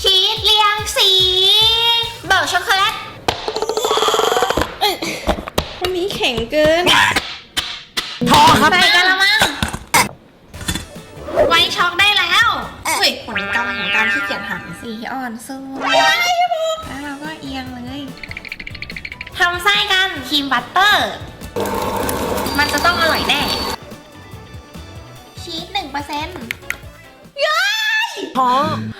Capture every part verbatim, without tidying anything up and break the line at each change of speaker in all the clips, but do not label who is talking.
ชีสเรียงสีเบิร์กช็อกโกแลต
วันนี้แข็งเกิน
พอครับ
ใส่กะละมังไว้ช็อกได้แล้วเฮ้ยผลกรรมของการขี้เกียจหั่นสีอ่อนสวยแล้วเราก็เอียงเลยทำไส้กันครีมบัตเตอร์มันจะต้องอร่อยแน่ชีสหนึ่งเปอร์เซ็นต์ย้าย
พอ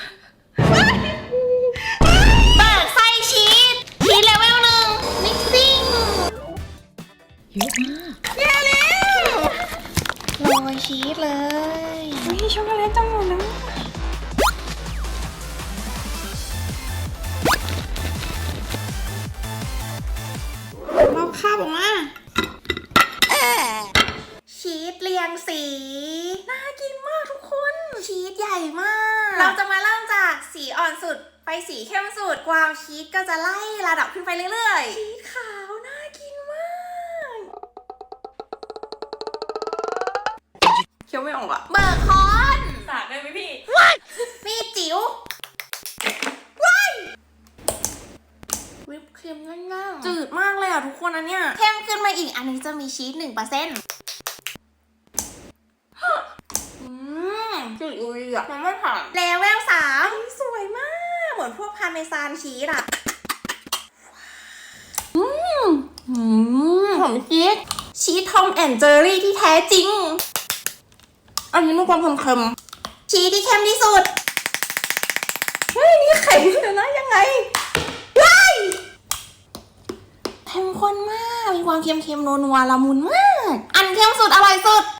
เบิกไส้ชีสชีสเลเวลหนึ่งมิกซิ่ง
เยอะมาก
แย่แล้วโรยชีสเลย
วิช็อกโกแลตจังหมดนะเราคาบออกมา
ชีสเรียงสีน่ากินมากทุกคนชีสใหญ่มากเราจะมาเริ่มจากสีอ่อนสุดไปสีเข้มสุดความชีสก็จะไล่ระดับขึ้นไปเรื่อยๆชีสขาวน่ากินมาก
เคี้ยวไม่ออกอะ
เบอร์คอน
สาดได้ไหมพี่
มีจิ๋วว้ายวิปครีมง่ายๆจืดมากเลยอ่ะทุกคนอันเนี้ยเข้มขึ้นมาอีกอันนี้จะมีชีสหนึ่งเปอร์เซ็นต์อืมจืดเลยอ่ะมันไม่ผ่านเลเวลสามสวยมากเหมือนพวกพาร์เมซานชีสอ่ะอืมอืมหอมชีสชีสทอมแอนด์เจอรี่ที่แท้จริงอันนี้มีความเค็มๆชีสที่เข้มที่สุดเฮ้ยนี่ไข่เลยนะยังไงว้ายเข้มข้นมากมีความเค็มๆนัวๆละมุนมากอันเข้มสุดอร่อยสุด